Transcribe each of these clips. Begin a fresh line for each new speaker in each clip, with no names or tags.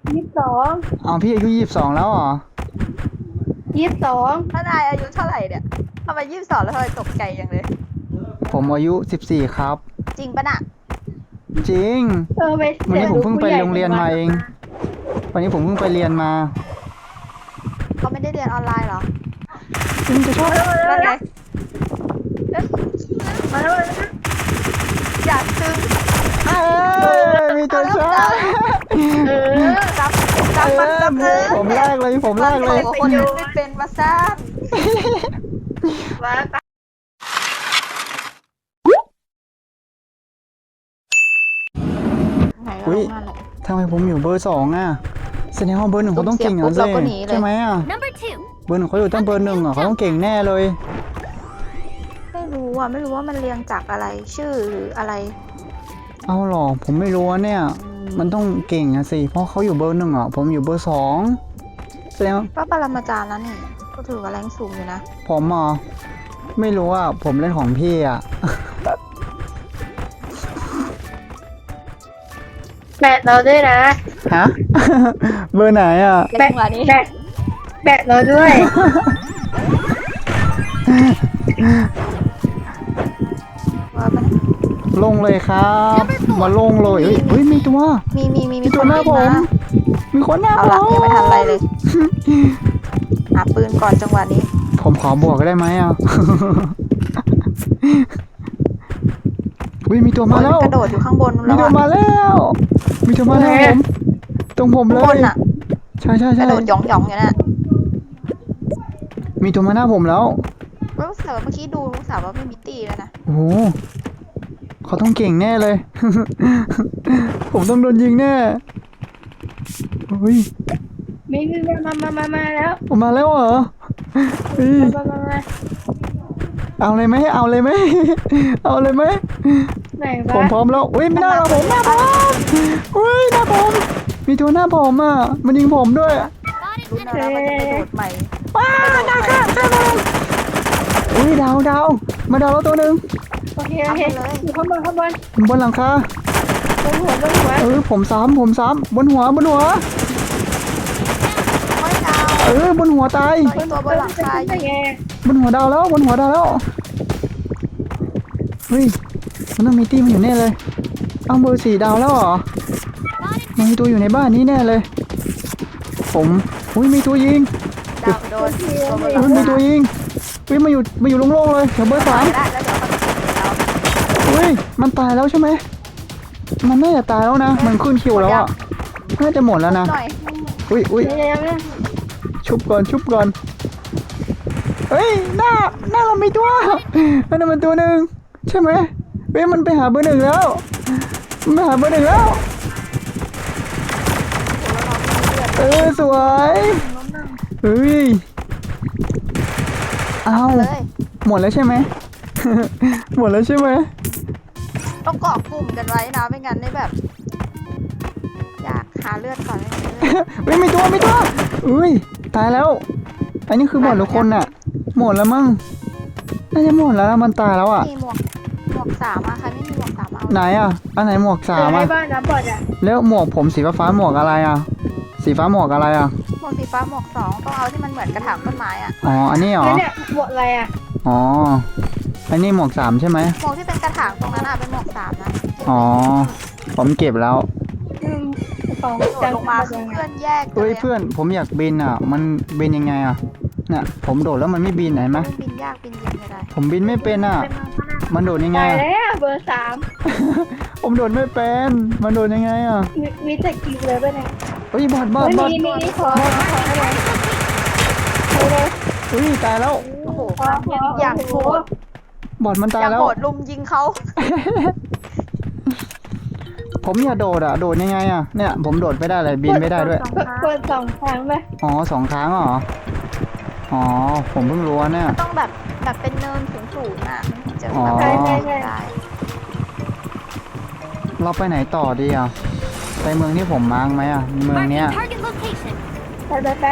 22
เอาพี่อายุ22แล้วเหรอ
22
ถ้านายอายุเท่าไหร่เนี่ยทำไม22แล้วทำไมตกใจจังเลย
ผมอายุ14ครับ
จริงปะน่ะ
จริง
ไป
วันนี้ผมเพิ่งไป
ผู้ใหญ่
โรงเรียนมาเอง วันนี้ผมเพิ่งไปเรียนมา
เขาไม่ได้เรียนออนไลน์เหรอ
คุณจะชอบ
นั่นไง
มาแล้ว
อยากซึ้ง
มีตัวชอบ
จับจับมันจับเลย
ผมแรกเลยผมแรกเลย
คนเล่นไม่เป็นวาซ่า
มา
ไหนก็
อุ๊
ล
ย
งนั่นแหละ
ทำไมผมอยู่เบอร์2อ่ะแสดงว่าเบอร์ 1เขาต้องเก่งอ่ะ
เสี
สิ
ยบปุ๊บเราก็หนีเลย
ใช่ไหมอ่ะ
Number 2.
เบอร์ 1เขาอยู่ตั้งเบอร์ 1อ่ะเขาต้องเก่งแน่เลย
ไม่รู้อ่ะไม่รู้ว่ามันเรียงจากอะไรชื่อหรืออะไร
เอาหรอผมไม่รู้อะเนี่ย มันต้องเก่งอะสิ เพราะเขาอยู่เบอร์ 1อ่ะ ผมอยู่เบอร์ 2แสดงว่า
ก็ปรมาจารย์แล้วนี่ก็ถือว่าแรงสูงอยู่นะ
ผมอ่ะไม่รู้อ่ะผมเล่นของพี่อ่ะ
แบตเราด้วยนะ
ฮะ เบอร์ไหนอ่ะ
แบกว่านี้
แบตเราด้วย
ว่ามัน
ลงเลยครับ มาลงเลยเฮ้ยมีตัว
มี
ตัวหน้าผม มีคนหน้า
เอา
ผ
ละ
ม
ยังไม่ทันอะไรเลยหาปืนก่อนจังหวะนี้
ผมขอบวกได้ไหมอ่ะ อุ้ยมีตัวมาแล้ว
กระโดดอยู่ข้างบน
มี
แล้ว
ตัว
อะ
มาแล้ว มีตัวมาแล้วผมตรงผมเล
ข้างบ
ย
นอะ
ใช่ใช่
ก
ใช่
ระโดดหยองๆอยู่น่ะ
มีตัวมาหน้าผมแล้ว
รู้สึกว่าเมื่อกี้ดูรู้สึกว่าไม่มีตีแล้วนะ
โอ้โหเขาต้องเก่งแน่เลย ผมต้องโดนยิงแน่เฮ้ย
มีมาแล้ว
ออกมาแล้วเหรอเฮ้ย
มา
เอาเลยไหมเอาเลยไหม เอาเลยไหม
ไหน
ผม
วะ
พร้อมแล้วอุ้ยหน้าผมหน้าผมอุ้ยหน้าผมมีตัวหน้าผมอ่ะมันยิงผมด้วย
รู้นะว่ามันจะกระโดดใหม่
ว้าวดาวค่ะอุ้ยดาวมาดาวแล้วตัวหนึ่ง
โอเคอยู่ข้างบน
บนหลังคา
บนหัว
ผมซ้ำบนหัว
ไม่ดาว
บนหัวตาย
ตัวบนหลังคาอยู่
บนหัวดาวแล้วเฮ้ยมันต้องมีตี้มันอยู่แน่เลยเอาเบอร์4ดาวแล้วเหรอมันมีตัวอยู่ในบ้านนี้แน่เลย ผมอุ้ยมีตัวยิง
ดาวโดนตัวบนหลั
อุ้
ง
ยมี
คา
ตัวยิงอุ้ยมาอยู่โล่งๆเลยแถวเบอร์
ได้
3
แล้วเดี๋ยวเขาจะดาว
อุ้ยมันตายแล้วใช่ไหมมันน่าจะตายแล้วนะมันขึ้นคิวแล้วอ่ะน่าจะหมดแล้วนะ
หน่อย
อุ้ย
เนี่ย
ชุบก่อนเฮ้ยหน้าเรามีตัวนั่นมันตัวหนึ่งใช่ไหมเฮ้ยมันไปหาเบอร์ 1แล้วมันไปหาเบอร์ 1แล้วสวยเฮ้ยเอา
เลย
หมดแล้วใช่ไหม หมดแล้วใช่ไหม
ต้องเกาะกลุ่มกันไว้นะไม่งั้นได้แบบ อยากหาเลือดก่อนไม่งั้นเลือด
เฮ้ยมีตัวอุ้ยตายแล้ว อันนี้คือหมดหรือคนน่ะ หมดแล้วมั้งน่าจะหมดแล้วนะมันตายแล้วอ่ะ
มีหมวกสามอะใครไม่มีหมวกสามเอา
ไหนอ่ะอันไหนหมวก3
ให้
อ่ะ
บ้านน้ำบอดอ่ะ
แล้วหมวกผมสีฟ้าหมวกอะไรอ่ะ สีฟ้าหมวกอะไรอ่ะ
หมวกสีฟ้าหมวก2ต้องเอาที่มันเหมือนกระถางต้นไม้อะ
อ๋ออันนี้เหรอ
แล้วเนี่ยบวกอะไรอ่ะ
อ๋ออันนี้หมวก3ใช่ไหม
หมวกที่เป็นกระถางตรงนั้นอะเป็นหมวก3นะ
อ๋อผมเก็บแล้ว
ของ
โดดลงมาคือเพื่อนแยกกั
เฮ้ย
ล
เพื่อนผมอยากบินอ่ะ มันบินยังไงอ่ะเนี่ยผมโดดแล้วมันไม่บินไหนไหม
มันบินยากบินเย็นไม่ได้
ผมบินไม่เป็นอ่ะ มันโดดยังไง
ตาย
อะ
แล้วเบอร์
ผมโดดไม่เป็น มันโดดยังไงอ่ะ
3มีแต่กินเลยป่ะเนี่ย
เฮ้ยบอด
มีขออะไรเลย
เฮ้ยตายแล้ว
โอ้โหอย่างโหด
บอดมัน
อ
ตาย
ย่าง
แล้ว
โหดลุมยิงเขา
ผมอยากโดดอ่ะ โดดยังไงอ่ะ เนี่ยผมโดดไม่ได้เลยบินไม่ได้ด้วย
กด2 ครั้งไหม
อ๋อ2 ครั้งเหรอ อ๋อผมเพิ่งรู้เนี่ย
ต้องแบบเป็นเนินสูงๆอะมันถึงจะ
อ๋อ
แบบได้
เราไปไหนต่อดีอ่ะ ไปเมืองที่ผมมาร์กไหมอ่ะ เมือง
Marking
เนี้ย
target location.
ไป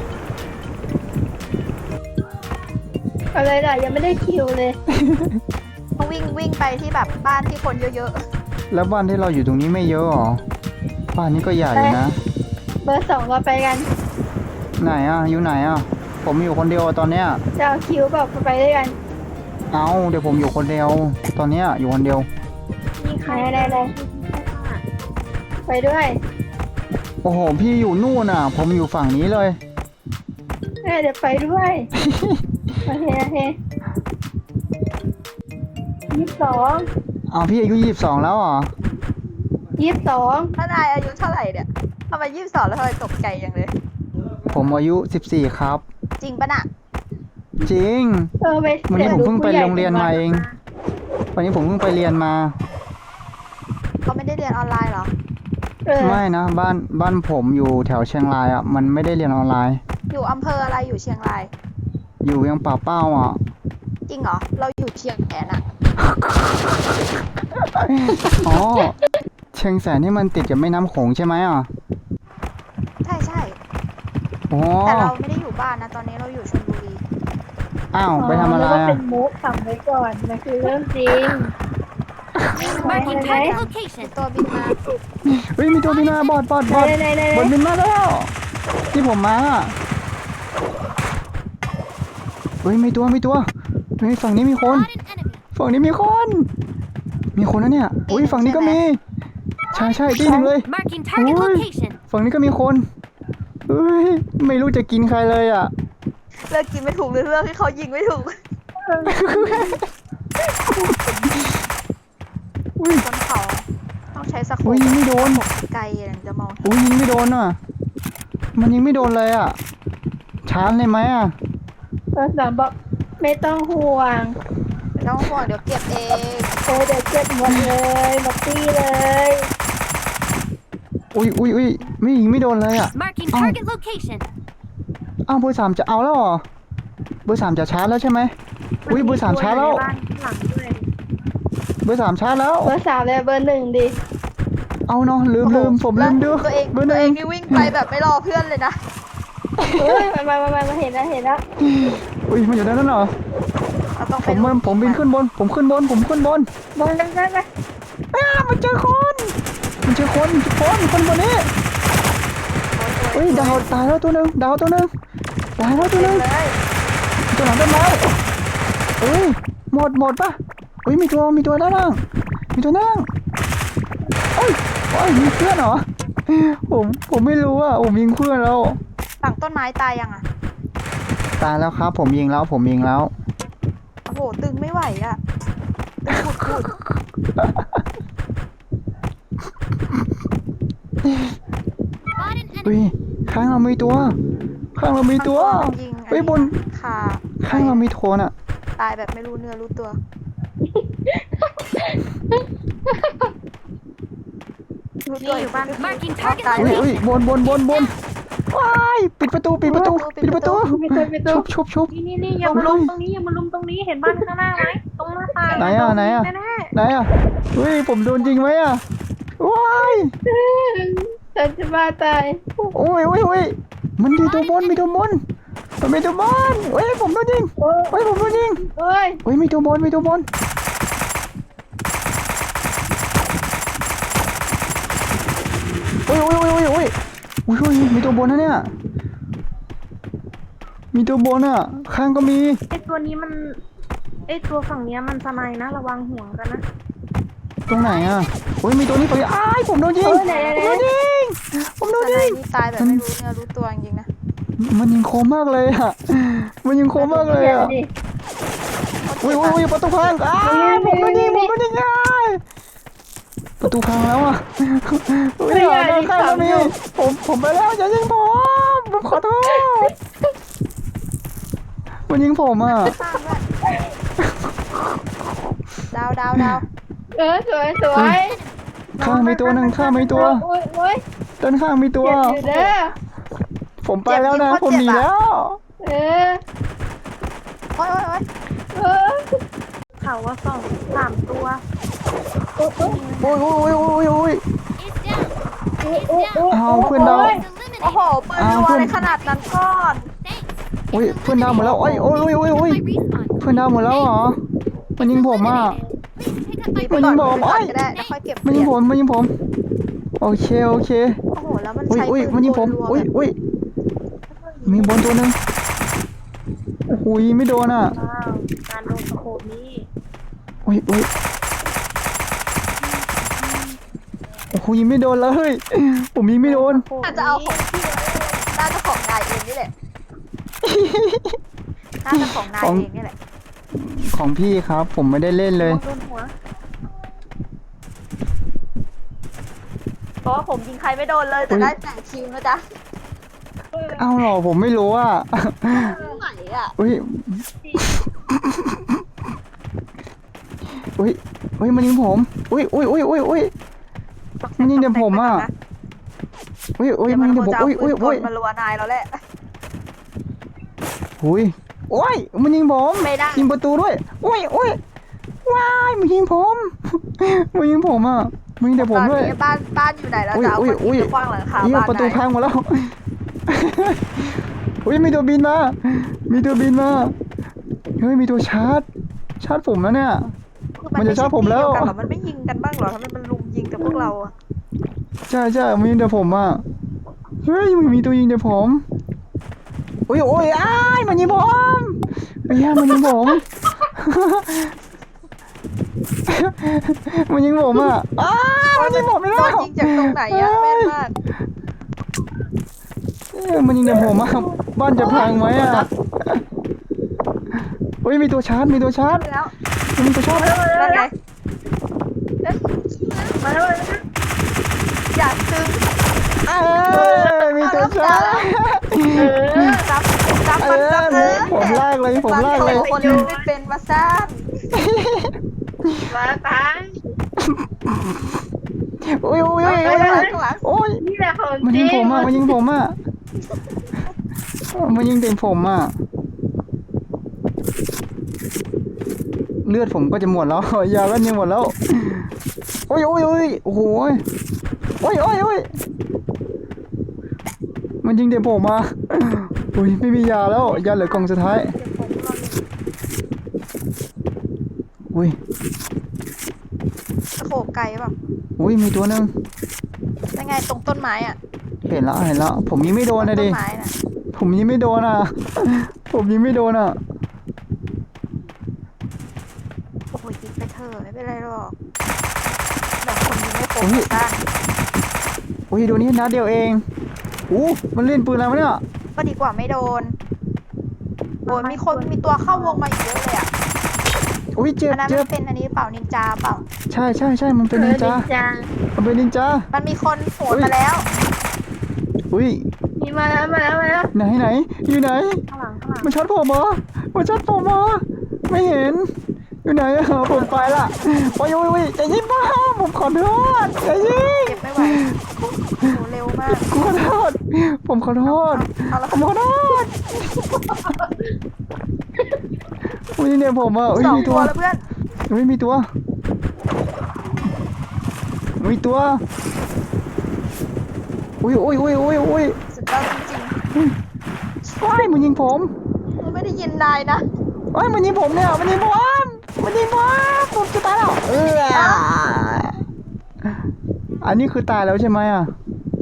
อะไรล่ะยังไม่ได้คิวเลย
ต้องวิ่งไปที่แบบบ้านที่คนเยอะ
แล้วบ้านที่เราอยู่ตรงนี้ไม่เยอะหรอ บ้านนี้ก็ใหญ่นะ
เบอร์สองเราไปกัน
ไหนอ่ะอยู่ไหนอ่ะผมอยู่คนเดียวตอนเนี้ย
จะเอาคิวแบบไปด้วยกัน
เอาเดี๋ยวผมอยู่คนเดียวตอนเนี้ยอยู่คนเดียว
มีใคร
ได้ไปด้วย
โอ้โหพี่อยู่นู่นอ่ะ ผมอยู่ฝั่งนี้เลย
เดี๋ยวไปด้วยโอเคโอเค22
เอาพี่อายุ22แล้วเหรอ
22
ถ้านายอายุเท่าไหร่เนี่ยทำไม22แล้วทำไมตกใจอย่างเลย
ผมอายุ14ครับ
จริงปะน่ะ
จริง
ไป
วันนี้ผมเพิ่งไปโรงเรียนมาเอง วันนี้ผมเพิ่งไปเรียนมา
เขาไม่ได้เรียนออนไลน์เหรอ
ไม่นะบ้านผมอยู่แถวเชียงรายอ่ะมันไม่ได้เรียนออนไลน์
อยู่อำเภออะไรอยู่เชียงราย
อยู่เวียงป่าเป้าอ่ะ
จริงเหรอ เราอยู่เชียงแสนอะ
อ๋อเชียงแสนนี่มันติดกับแม่น้ำโขงใช่ไหมอ่ะ
ใช่ใช่
อ๋อ
แต่เราไม่ได้อยู่บ้านนะ ตอนนี้เราอยู่ชลบุรี
อ้าวไปทำอะไร
ก็เป็
อ่ะ
นมุกสั่งไว้ก่อนมันคือเรื่องจริง
Marking
ไหน
target
มี
location.
ตัวบินมา
เฮ้ยมีตัวบินมาบอด
ไหนไหน
บอดบินมาแล้วที่ผมมาอ่ะเฮ้ยมีตัวเฮ้ยฝั่งนี้มีคน
Spot an enemy.
ฝั่งนี้มีคนนะเนี่ยอุ้ยฝั่งนี้ก็มีใช่ที่หนึ่งเลย
Marking target
Ui.
location.
ฝั่งนี้ก็มีคนเฮ้ยไม่รู้จะกินใครเลยอ่ะ
เลือกกินไม่ถูกหรือเลือกให้เขายิงไม่ถูก
อุ้ย
บนเขาต้องใช้สโค
อุ้
ป
ยยิงไม่โดน
ไกลถึงจะมอง
อุ้ยยิงไม่โดนอ่ะมันยิงไม่โดนเลยอ่ะชาร์จเลยไหมอ่ะ
เบอร์สองบอกไม่ต้องห่วง
ไม่ต้องห่วงเดี๋ยวเก็บเอง
เดี๋ยวเจ็บหมดเลยหมดตี้เลย
อุ้ยไม่ยิงไม่โดนเลยอ่ะ
Marking
Oh.
target location.
อ้าวเบอร์สามจะเอาแล้วเหรอเบอร์สามจะชาร์จแล้วใช่ไหมอุ้ยเบอร์สามชาร์จแล้ว
บ้านหลังด้วย
เบอร์สามชาร์จแล้ว
เบอร์สามเลยเบอร์หนึ่งดิ
เอาเนาะลืมผมลืมดู
ตัวเอง
เบอร์ห
ตัว
นึ่
เอง งนี่วิ่งไปแบบไม่รอเพื่อนเลยนะ
เฮ้ยมาเห็นแล้ว
อุ้ยมันอยู่ด้านนั้นเหรอ
เราต้อง
ผ
ไป
มบินขึ้นบนผมขึ้นบน
บอลได้ไหม
มันเจอคนคนบนนี้เฮ้ยดาวตายแล้วตัวหนึ่งตายแล้วตัวหนึ่ง
เลย
ตัวหลังต้นไม้เฮ้ยหมดปะเฮ้ยมีตัวด้านล่างมีตัวนั่งเฮ้ยมีเพื่อนเหรอผมไม่รู้อ่ะผมยิงเพื่อนแล้ว
หลังต้นไม้ตายยังอ่ะ
ตายแล้วครับผมยิงแล้ว
โอ้โหตึงไม่ไหวอ่ะตึงขุด
Spot an
เฮ้ย
enemy.
ข้างเรามีตัว
ยิง
เฮ้ยบน
ขา
ข้างเรามีโทนอ่ะ
ตายแบบไม่รู้เนื้อรู้ตัว
นี่อยู่บ้าน Marking target
ตาย
อุ้ยบนว้ายปิดประตู
ไปตัว
ชุบ
นี่อย่ามาลุมตรงนี้เห็นบ้านข้างหน้าไหมตรงหน้าต่าง
ไหนอ่ะ
แน่
ไหนอ่ะเฮ้ยผมโดนจริงไหมอ่ะว้าย
ฉันจะบ้าตาย
โอ้ยมันมีตัวบนเฮ้ยผมโดนยิง
โอ้
เฮ้ยผมโดนยิง
โอ้ย
เฮ้ยมีตัวบนโอ้ยมีตัวบนนะเนี่ยมีตัวบนอ่ะข้างก็มี
ไอตัวนี้มันไอตัวฝั่งเนี้ยมันสไนนะระวังห่วงกันนะ
ตรงไหนอ่ะโอ้ยมีตัวนี้ไปอ้ายผมโดนยิง
ไหน
ผมโดน
ท
ยิ
นาย
ง
นี่ตายแบบไม่รู้เนื้อรู้ตัวจริงๆนะ
มันยิงโคมมากเลยอ่ะอุ้ยประตูพังผมโดนยิงอ้ายประตูพังแล้วอ่ะอุ้ยด้านข้างก็มีผมไปแล้วอย่ายิงผมขอโทษมันยิงผมอ่ะ
ข้างด้วยดาว
สวย
ข้างมีตัวหนึ่ง
โอ้ย
ด้านข้างมีตัว
เจ็บอยู่เด้อ
ผมไปแล้วนะผมหนีแล้ว
เออ
โอ้ย
เออ
เขาว่า3 ตัว
โอ้ย
Is down.
เอาเพื่อนดาว
โอ้
Eliminated.
โหปืนรัวในขนาดนั้นก่อน
Thanks.
โอ้ยเพื่อนดาวหมดแล้วโอ้ย
My respawn.
เพื่อนดาวหมดแล้วเหรอมันยิงผมอ่ะ
Please pick up my
มี
มันยิงผม
ก่อน
โอ้ย
ก็ได้แล้วค่อยเก็บ
มันยิงผมโอเค
โอ้โหแล้วมัน
อุ้ย
ใช้
อุ้ย
ปืน
มันยิงผม
รัวๆ
อุ้ย
แบบ
อุ้ยมีบนตัวหนึ่งโอ้โหยิงไม่โดนอ่ะ
ว้าวการโดนสโคปนี้
อุ้ยอุ้ยโอ้โหยิงไม่โดนเลย ผมยิงไม่โดน
น่าจะเอาของพี่น่าจะของนายเองนี่แหละน่าจะของนายเองนี่แหละ
ของพี่ครับ ผมไม่ได้เล่นเลย
โดนหัว
เพราะว่าผมยิงใครไม่โดนเลยแต่ได้แต่คิวนะจ๊ะ
เอ้าเหรอผมไม่รู้อ่ะ
ไหนอ่ะ
อุ้ยอุ้ยอุ้ยมันยิงผม อุ้ยอุ้ยอุ้ยอุ้ยอุ้ยมันยิงแต่ผมอ่ะอุ้ยอุ้ย
เดี๋ยว
มั
มัน น
ยิง
ค
แต่
ง
ผม
จะเอา
อุ้ย
ปื
อุ้ย
นก
อุ้ย
ลมารัวนายแล้วแหละ
อุ้ยโอ้ยมันยิงผม
ไม่ได้
ยิงประตูด้วยอุ้ยอุ้ยว้ายมันยิงผม มันยิงผมอ่ะมันยิงแต่ผมด้วย
ตอนนี้บ้านอยู่ไหนแล้วจะเอา
อุ้ย
คนที่จะกว้างหลังคา
เหี้ย
บ้าน
ประตู
นาย
พังหมดแล้ว อุ้ยมีตัวบินมา มีตัวบินมา เฮ้ยมีตัวชาร์จผมแล้วเนี่ย
คือ
มันจะชอบผมแล้ว
ไใช่ที่เดียกันเหรอมันไม่ยิงกันบ้างเหรอทำไมมันลุมยิงแต่พวกเราอะ
ใช่ใช่มันยิงแต่ผมอ่ะ เฮ้ยมันมีตัวยิงแต่ผมโอ้ยโอ้ยอ้ายมันยิงผมไม่ใช่มันยิงผม มันยิงผมอ่ะอ้าวมันยิงผมไม่
โด
ได้
นยิงจากตรงไหนอะแม่นมาก
มันยิงแต่ผมอ่ะบ้านจะพังไหมอ่ะเฮ้ยมีตัวชาร์จ
แล้ว
มีตัวชาร์จ
นั่นไง
มาแล้ว
อยากซึ้ง
เอ้ยมีตัวชาร์จ
จับมันจับเลย
ผมลากเลยผมลากเลย
คนดูไม่เป็นมาซ่าน
มาตาย
โอ้ยโอ้ยโอ้ย
เอา
โอ้ย
ข้างหลังข้างหลัง
โอ้ย
นี่แหละของ
มัน
จ
ยิ
ริ
ง
ง
ผมอ่ะมันยิงผมอ่ะมันยิงแต่ผมอ่ะเลือดผมก็จะหมดแล้วยาก็จะหมดแล้วโอ้ยโอ้ยโอ้ยโอ้โหโอ้ยโอ้ยโอ้ยมันยิงแต่ผมอ่ะโอ้ยไม่มียาแล้วยาเหลือกล่องสุดท้ายอุ้ย
สโคปไกลเปล่ะ
อุ้ยมีตัวหนึง
ยังไงตรงต้นไม้อะ
เห็นแล้วผมยิงไม่โดนนะ
ต้
ดิ
นไม้น่ะ
ผมยิงไม่โดนอ่ะ ผมยิงไม่โดนอ่ะ
โอ้โหยิงไปเถอะไม่เป็นไรหรอกเดี๋ยวคนยิงไม่ครบมาซ่าน
อุ้ยโดนนี้นัดเดียวเองอู้มันเล่นปืนอะไรวะเนี่ย
ก็ดีกว่าไม่โดนโอ้ยมีตัวเข้าวงมาอีกเยอะเลยอะ
อุ้ยเจ็บ
อันนั้น
เจ็
มั
บ
นเป็นอันนี้เปล่านินจาเปล่า
ใช่ใช่ใช่มันเป็นนินจา มันเป็นนินจา
มันมีคนโหนมาแล้ว
อุ้ย
มีมาแล้วมาแล้วมาแล้ว
ไหนไหนอยู่ไหน
ข้างหลัง
มันช็อตผมเหรอมันช็อตผมเหรอไม่เห็น อยู่ไหนอะผมไปละโอ้ยโอ้ยโอ้ยใจเย็นมากผมขอโทษใจเย็น
เก็บไม่ไหวโหเร็วมาก
ขอโทษผมขอโทษ
เอาละ
ผมขอโทษอุ้ยเนี่ยผมอ่ะอุ้ย
สอง
มี
ตั
ตัว ว
แล้วเพื่อน
อุ้ยมีตัวมีตัวอุ้ยอุ้ยอุ้ยอุ้ยอุ้ย
สุดยอดจริง
ว้ายมันยิงผม
ๆมันไม่ได้ยินนายนะ
ว้ายมันยิงผมเนี่ยมันยิงผมมันยิงผมจะตายแล้วอันนี้คือตายแล้วใช่ไหมอ่ะ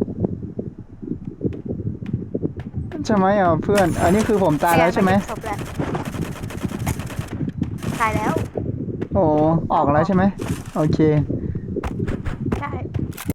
ใช่ไหมอ่ะเพื่อน อันนี้คือผมตายแล้วใช่ไหม
ศพแล้วตายแล้ว
โอ้ออกแล้วใช่ไหมโอเค